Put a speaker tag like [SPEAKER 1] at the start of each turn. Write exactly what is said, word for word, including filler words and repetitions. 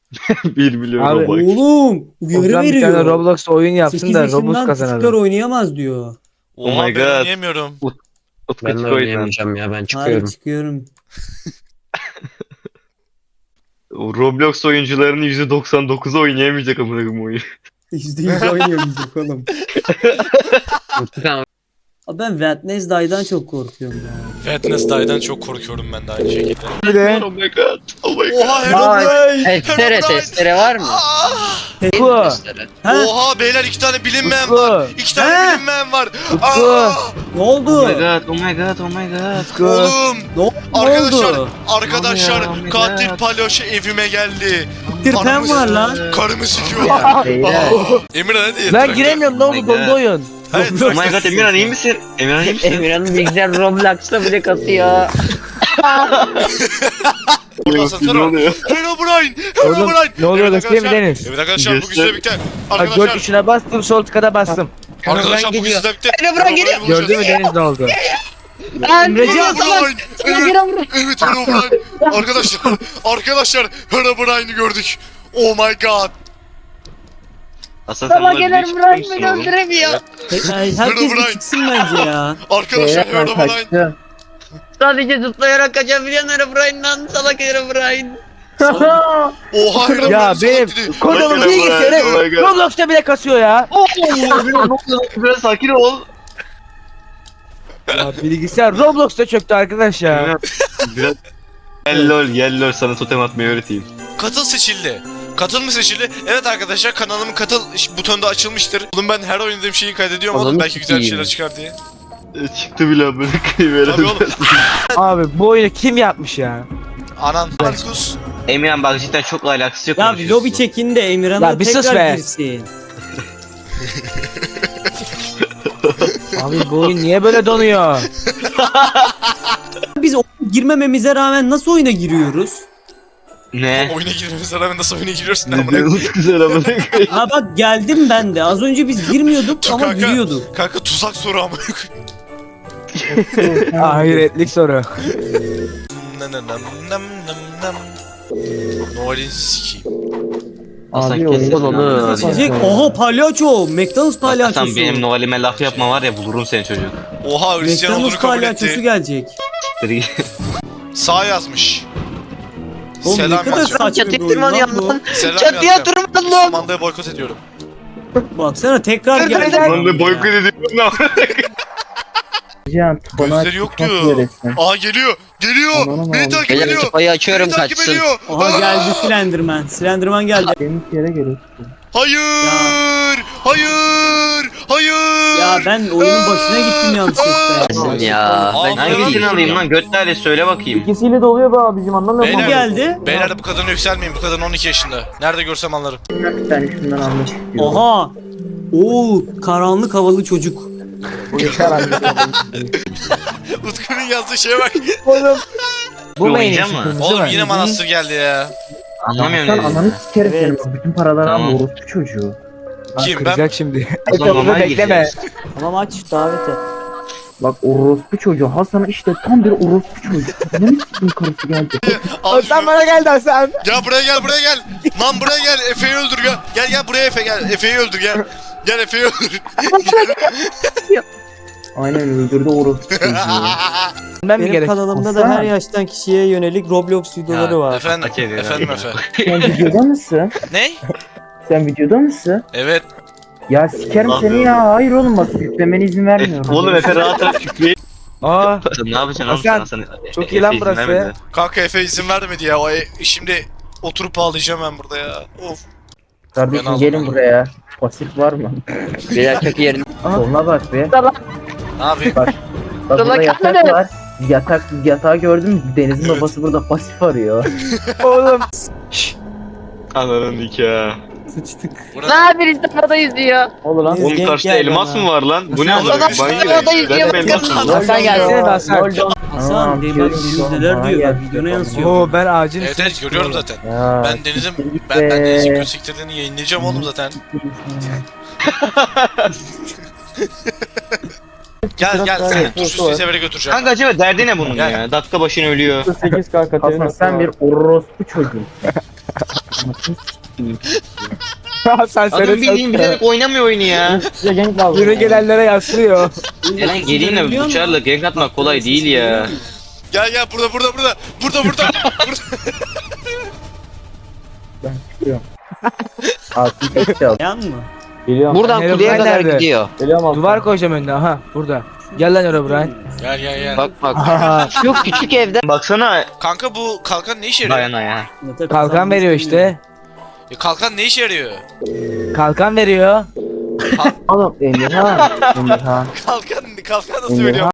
[SPEAKER 1] bir milyon
[SPEAKER 2] Abi,
[SPEAKER 1] Robux.
[SPEAKER 3] Oğlum uyarı
[SPEAKER 2] Ozan bir tane
[SPEAKER 3] veriyor.
[SPEAKER 2] Roblox oyun yapsın
[SPEAKER 3] sekiz
[SPEAKER 2] da Robux
[SPEAKER 3] yaşından küçükler
[SPEAKER 2] kazanalım.
[SPEAKER 3] oynayamaz diyor.
[SPEAKER 1] Oh
[SPEAKER 4] Oha
[SPEAKER 1] my
[SPEAKER 4] ben
[SPEAKER 1] God.
[SPEAKER 4] oynayamıyorum.
[SPEAKER 1] Utku
[SPEAKER 5] Ben de
[SPEAKER 1] çık oyundan.
[SPEAKER 5] oynayamayacağım ya ben
[SPEAKER 3] Harbi
[SPEAKER 5] çıkıyorum.
[SPEAKER 3] çıkıyorum.
[SPEAKER 1] Roblox oyuncularının yüzde doksan dokuzu oynayamayacak amına koyayım oyunu.
[SPEAKER 3] yüzde yüz oynayamayacak oğlum.
[SPEAKER 5] Tamam.
[SPEAKER 3] Abi ben Wednesday'dan çok korkuyorum ya.
[SPEAKER 4] Wednesday'dan çok korkuyorum ben de aynı şekilde.
[SPEAKER 2] Bir de
[SPEAKER 1] Oh my god. Oh my god.
[SPEAKER 4] Oha Herobrine!
[SPEAKER 5] Testere
[SPEAKER 4] Herobrine!
[SPEAKER 5] testere var mı?
[SPEAKER 4] Ah!
[SPEAKER 2] Utku.
[SPEAKER 5] Testere.
[SPEAKER 3] Ha?
[SPEAKER 4] Oha beyler iki tane bilinmeyen var.
[SPEAKER 2] Utku.
[SPEAKER 4] İki tane
[SPEAKER 3] He?
[SPEAKER 4] bilinmeyen var.
[SPEAKER 2] Utku.
[SPEAKER 4] Aa!
[SPEAKER 3] Ne oldu?
[SPEAKER 1] Oh my god. Oh my god. Oh my god.
[SPEAKER 2] Utku.
[SPEAKER 4] Oğlum!
[SPEAKER 3] Ne, o- ne
[SPEAKER 4] Arkadaşlar,
[SPEAKER 3] oldu?
[SPEAKER 4] arkadaşlar
[SPEAKER 1] Oh my
[SPEAKER 4] katil
[SPEAKER 1] God.
[SPEAKER 4] palyaço evime geldi.
[SPEAKER 3] Tirpen var lan.
[SPEAKER 4] Karımı sikiyor.
[SPEAKER 5] Beyler.
[SPEAKER 4] Emir hadi.
[SPEAKER 2] Ben giremiyorum ne
[SPEAKER 1] Oh my
[SPEAKER 2] oldu dondu
[SPEAKER 1] God.
[SPEAKER 2] oyun.
[SPEAKER 4] Hayır,
[SPEAKER 1] Oh my god Emirhan iyi misin? Emirhan iyi misin?
[SPEAKER 5] Emirhan'ın bilgisayar Roblox'ta bile kasıyor.
[SPEAKER 4] Burada
[SPEAKER 1] Ne
[SPEAKER 4] asansör var.
[SPEAKER 1] oluyor?
[SPEAKER 4] Herobrine!
[SPEAKER 2] Oğlum,
[SPEAKER 4] Herobrine!
[SPEAKER 2] ne oluyor
[SPEAKER 4] Evet
[SPEAKER 2] da değil mi
[SPEAKER 4] arkadaşlar,
[SPEAKER 2] Deniz?
[SPEAKER 4] Evet arkadaşlar bu
[SPEAKER 1] Göster.
[SPEAKER 4] güzel birlikte.
[SPEAKER 2] Bak dört
[SPEAKER 4] Arkadaşlar,
[SPEAKER 2] tuşuna bastım sol tıkada bastım.
[SPEAKER 4] arkadaşlar bu
[SPEAKER 5] geliyor.
[SPEAKER 4] güzel birlikte.
[SPEAKER 5] Herobrine geliyor.
[SPEAKER 4] bulacağız.
[SPEAKER 2] Gördün mü Deniz ne oldu?
[SPEAKER 5] Emrecan
[SPEAKER 4] Herobrine! Evet, evet Herobrine! Arkadaşlar, arkadaşlar Herobrine'i gördük. Oh my god!
[SPEAKER 1] Aslında sen
[SPEAKER 5] Sabah
[SPEAKER 1] bana
[SPEAKER 5] gelen
[SPEAKER 1] bir
[SPEAKER 5] Brian
[SPEAKER 1] çıkmışsın
[SPEAKER 5] beni
[SPEAKER 1] oğlum.
[SPEAKER 5] öldüremiyor.
[SPEAKER 3] Ay, herkes bir çıksın bence ya.
[SPEAKER 4] Arkadaşlar Herobrine!
[SPEAKER 5] Sadece zıplayarak kaçabilen Herobrine'dan salak Herobrine.
[SPEAKER 4] Oha Herobrine
[SPEAKER 2] Ya
[SPEAKER 4] salak
[SPEAKER 2] benim
[SPEAKER 4] dedi.
[SPEAKER 2] kodumun
[SPEAKER 1] Bak,
[SPEAKER 2] bilgisayarı
[SPEAKER 1] oh my God.
[SPEAKER 2] Roblox'ta bile kasıyor ya.
[SPEAKER 1] Biraz sakin ol.
[SPEAKER 2] Ya bilgisayar Roblox'ta çöktü arkadaş ya.
[SPEAKER 1] Emirhan, Biraz gel lol gel lol sana totem atmayı öğreteyim.
[SPEAKER 4] Katıl seçildi. Katıl mı seçildi? Evet arkadaşlar kanalımın katıl butonu da açılmıştır. Oğlum ben her oynadığım şeyi kaydediyorum oğlum
[SPEAKER 5] Ananı
[SPEAKER 4] belki güzel bir
[SPEAKER 5] sikeyim.
[SPEAKER 4] şeyler çıkar diye.
[SPEAKER 1] E, Çıktı bile amına koyayım.
[SPEAKER 4] Tabii oğlum.
[SPEAKER 2] Abi bu oyunu kim yapmış ya?
[SPEAKER 4] Anan Markus.
[SPEAKER 1] Emirhan bak cidden çok alakası yok.
[SPEAKER 3] Ya bir
[SPEAKER 1] konuşuyorsun.
[SPEAKER 3] lobi çekin de Emirhan'a
[SPEAKER 2] Ya bir sus
[SPEAKER 3] tekrar
[SPEAKER 2] be.
[SPEAKER 3] girsin.
[SPEAKER 2] Abi bu oyun niye böyle donuyor?
[SPEAKER 3] Biz oyuna girmememize rağmen nasıl oyuna giriyoruz?
[SPEAKER 1] Ne?
[SPEAKER 4] Oyuna girmemize rağmen nasıl oyuna giriyorsun
[SPEAKER 1] Ne
[SPEAKER 4] amına?
[SPEAKER 1] diyorsunuz güzel amına koyayım.
[SPEAKER 3] Ha bak geldim ben de. Az önce biz girmiyorduk ama
[SPEAKER 4] Kanka,
[SPEAKER 3] giriyorduk.
[SPEAKER 4] Kanka tuzak soru amına.
[SPEAKER 2] Ahiretlik soru.
[SPEAKER 4] Nam nam nam nam nam nam. Noel'in sikiyim.
[SPEAKER 1] Hasan
[SPEAKER 5] Abi,
[SPEAKER 1] kesin.
[SPEAKER 5] onu-
[SPEAKER 1] Hadi.
[SPEAKER 3] Sizce oha palyaço. McDonald's palyaçosu.
[SPEAKER 1] Hasan benim Noel'ime laf yapma var ya bulurum seni çocuk.
[SPEAKER 4] Oha Hristiyan olduğunu
[SPEAKER 3] McDonald's
[SPEAKER 4] kabul
[SPEAKER 3] palyaçosu
[SPEAKER 4] etti.
[SPEAKER 3] gelecek.
[SPEAKER 4] Sağ yazmış.
[SPEAKER 3] Oğlum ne
[SPEAKER 4] Selam
[SPEAKER 3] kadar
[SPEAKER 4] yazacağım.
[SPEAKER 3] saçma bir
[SPEAKER 5] Çatıya
[SPEAKER 3] oyun lan
[SPEAKER 5] tırmanıyor
[SPEAKER 3] bu.
[SPEAKER 5] lan.
[SPEAKER 4] Selam
[SPEAKER 5] Çatıya
[SPEAKER 4] yazacağım.
[SPEAKER 5] tırmandım.
[SPEAKER 4] Manda'yı boykot ediyorum.
[SPEAKER 3] Baksana tekrar geldi.
[SPEAKER 1] Ben de boykot ediyorum lan.
[SPEAKER 6] Can, bana
[SPEAKER 4] Gözleri yok
[SPEAKER 6] çıkmak
[SPEAKER 4] diyor.
[SPEAKER 6] üzeresin.
[SPEAKER 4] Aa geliyor. Geliyor.
[SPEAKER 6] Ananı
[SPEAKER 4] Beni
[SPEAKER 6] aldım.
[SPEAKER 4] takip
[SPEAKER 5] Beyler
[SPEAKER 4] ediyor.
[SPEAKER 5] tıpayı açıyorum
[SPEAKER 4] Beni takip
[SPEAKER 5] kaçsın.
[SPEAKER 4] ediyor.
[SPEAKER 3] Oha
[SPEAKER 4] Aa!
[SPEAKER 3] geldi Slenderman. Slenderman geldi.
[SPEAKER 6] Benim yere geliyorsun.
[SPEAKER 4] Hayır. Hayır. Hayır.
[SPEAKER 3] Ya ben oyunun başına gittim yanlışlıkla.
[SPEAKER 5] Ya ben
[SPEAKER 4] Abi,
[SPEAKER 1] Hangisini alayım lan götlere söyle bakayım.
[SPEAKER 6] İkisiyle de oluyor be abicim anlamıyor
[SPEAKER 4] Beyler.
[SPEAKER 3] Bu geldi.
[SPEAKER 4] Beyler de bu kadına yükselmeyin. Bu kadın on iki yaşında. Nerede görsem anlarım.
[SPEAKER 6] Bir tane şundan almak istiyorum.
[SPEAKER 3] Oha. Oo karanlık havalı çocuk.
[SPEAKER 6] Bu yeter abi.
[SPEAKER 4] Utku'nun yazdığı şeye bak.
[SPEAKER 2] Oğlum. Bu
[SPEAKER 1] Bir
[SPEAKER 2] main
[SPEAKER 1] oynayacak
[SPEAKER 2] için
[SPEAKER 1] mı?
[SPEAKER 2] kırmızı
[SPEAKER 4] Oğlum
[SPEAKER 2] var.
[SPEAKER 4] yine manastır geldi ya.
[SPEAKER 1] Anlamıyorum
[SPEAKER 6] Sen
[SPEAKER 1] ne
[SPEAKER 6] ananı sikerim
[SPEAKER 3] Evet.
[SPEAKER 6] senin. Bütün paraları
[SPEAKER 1] Tamam.
[SPEAKER 6] alma orospu çocuğu.
[SPEAKER 2] Lan
[SPEAKER 4] Kim, ben?
[SPEAKER 2] kıracak şimdi.
[SPEAKER 1] O zaman
[SPEAKER 2] Etrafını
[SPEAKER 1] normal
[SPEAKER 2] bekleme.
[SPEAKER 1] gireceğiz.
[SPEAKER 3] Tamam aç davet et.
[SPEAKER 6] Bak orospu çocuğu. Hasan işte tam bir orospu çocuğu. Ne mi sikim karısı geldi?
[SPEAKER 4] Al
[SPEAKER 2] Sen
[SPEAKER 4] şunu.
[SPEAKER 2] bana geldi Hasan.
[SPEAKER 4] Gel buraya gel buraya gel. Lan buraya gel. Efe'yi öldür gel. Gel gel buraya Efe gel. Efe'yi öldür gel. Gel Efe'yi öldür.
[SPEAKER 6] Aynen öldürdü orospu çocuğu.
[SPEAKER 2] Ben mi
[SPEAKER 3] Benim
[SPEAKER 2] gerek?
[SPEAKER 3] kanalımda da
[SPEAKER 6] Hasan.
[SPEAKER 3] her yaştan kişiye yönelik Roblox videoları
[SPEAKER 4] Ya,
[SPEAKER 3] var.
[SPEAKER 4] efendim,
[SPEAKER 1] Hak ediyor,
[SPEAKER 4] efendim
[SPEAKER 1] hak
[SPEAKER 4] Efe.
[SPEAKER 6] Sen videoda mısın?
[SPEAKER 4] Ne?
[SPEAKER 6] Sen videoda mısın?
[SPEAKER 4] Evet.
[SPEAKER 6] Ya sikerim
[SPEAKER 1] Allah
[SPEAKER 6] seni ya. Hayır oğlum bak yüklemene izin vermiyorum.
[SPEAKER 1] Oğlum Efe rahat rahat şükreyin.
[SPEAKER 2] Aa.
[SPEAKER 1] Ne yapacaksın oğlum
[SPEAKER 2] Hasan,
[SPEAKER 1] sen?
[SPEAKER 2] çok iyi lan
[SPEAKER 1] izin
[SPEAKER 2] burası.
[SPEAKER 1] vermedi.
[SPEAKER 4] Kanka Efe izin vermedi ya. O e- şimdi oturup ağlayacağım ben burada ya. Of. Ben
[SPEAKER 6] Kardeşim
[SPEAKER 4] aldım
[SPEAKER 6] gelin
[SPEAKER 4] onu.
[SPEAKER 6] buraya. Pasif var mı?
[SPEAKER 5] Beyler çok yerin.
[SPEAKER 6] Soluna bak be.
[SPEAKER 4] Ne yapayım?
[SPEAKER 6] Bak burada
[SPEAKER 5] Salak
[SPEAKER 6] yatak
[SPEAKER 5] anne.
[SPEAKER 6] var. Yatak yatağı gördün mü? Deniz'in babası burada pasif arıyor.
[SPEAKER 2] Oğlum.
[SPEAKER 1] Ananın nikahı.
[SPEAKER 3] Sıçtık.
[SPEAKER 4] Burada...
[SPEAKER 5] Ne birisi havada yüzüyor.
[SPEAKER 6] Olur lan.
[SPEAKER 3] Biz
[SPEAKER 1] Oğlum
[SPEAKER 3] denk
[SPEAKER 1] karşıda
[SPEAKER 3] geldi
[SPEAKER 1] elmas
[SPEAKER 3] ama.
[SPEAKER 1] mı var lan? Bu ne
[SPEAKER 3] Hasan,
[SPEAKER 1] oğlum?
[SPEAKER 5] adam
[SPEAKER 1] Ben
[SPEAKER 5] havada
[SPEAKER 1] gireyim.
[SPEAKER 5] yüzüyor.
[SPEAKER 1] Ben elmas mı?
[SPEAKER 2] Hasan gelsene de Hasan.
[SPEAKER 3] Hasan de bak Deniz neler diyor. Videona yansıyor.
[SPEAKER 2] Oo ben ağacın
[SPEAKER 4] Evet
[SPEAKER 2] üstüne
[SPEAKER 4] evet görüyorum zaten.
[SPEAKER 6] Ya,
[SPEAKER 4] Ben Deniz'in
[SPEAKER 6] siktir git
[SPEAKER 4] ben, ben
[SPEAKER 6] be.
[SPEAKER 4] Deniz'in kötü siktirdiğini yayınlayacağım oğlum zaten. Gel gel seni tuzsuz severe götüreceğim.
[SPEAKER 1] Kanka acaba derdi ne bunun
[SPEAKER 4] Gel.
[SPEAKER 1] ya? Dakika başına ölüyor.
[SPEAKER 6] Hasan sen bir orospu çocuğu. Anasını s**eyim.
[SPEAKER 2] Sen
[SPEAKER 1] Adam
[SPEAKER 2] söyle
[SPEAKER 1] bildiğin bilerek oynamıyor oyunu ya.
[SPEAKER 6] Size gank lazım.
[SPEAKER 2] Yürü
[SPEAKER 6] ya.
[SPEAKER 2] gelenlere yaslıyor.
[SPEAKER 1] Eren geleyim de bıçarla gank atmak kolay değil ya.
[SPEAKER 4] Gel gel burada burada burada. Burada burada. burada.
[SPEAKER 6] Ben çıkıyorum. Altın kesti al.
[SPEAKER 3] Yan mı?
[SPEAKER 6] Geliyorum.
[SPEAKER 5] Buradan
[SPEAKER 2] Herobrine
[SPEAKER 5] kuleye kadar
[SPEAKER 2] nerede?
[SPEAKER 5] gidiyor.
[SPEAKER 6] Geliyorum altın.
[SPEAKER 2] Duvar koyacağım önüne. Aha burada. Gel lan Herobrine.
[SPEAKER 4] Gel gel gel.
[SPEAKER 5] Bak bak.
[SPEAKER 2] Aha.
[SPEAKER 5] Şu küçük evde.
[SPEAKER 1] Baksana
[SPEAKER 4] Kanka bu kalkan ne işe yarıyor?
[SPEAKER 1] dayana ya.
[SPEAKER 3] Mete
[SPEAKER 2] Kalkan
[SPEAKER 3] kazanmak
[SPEAKER 2] veriyor
[SPEAKER 3] istemiyor.
[SPEAKER 2] işte.
[SPEAKER 4] Ya kalkan ne işe yarıyor?
[SPEAKER 2] Kalkan veriyor.
[SPEAKER 6] Oğlum Emirhan. Emirhan.
[SPEAKER 4] Kalkan kalkan nasıl
[SPEAKER 6] Emirhan.
[SPEAKER 4] veriyor?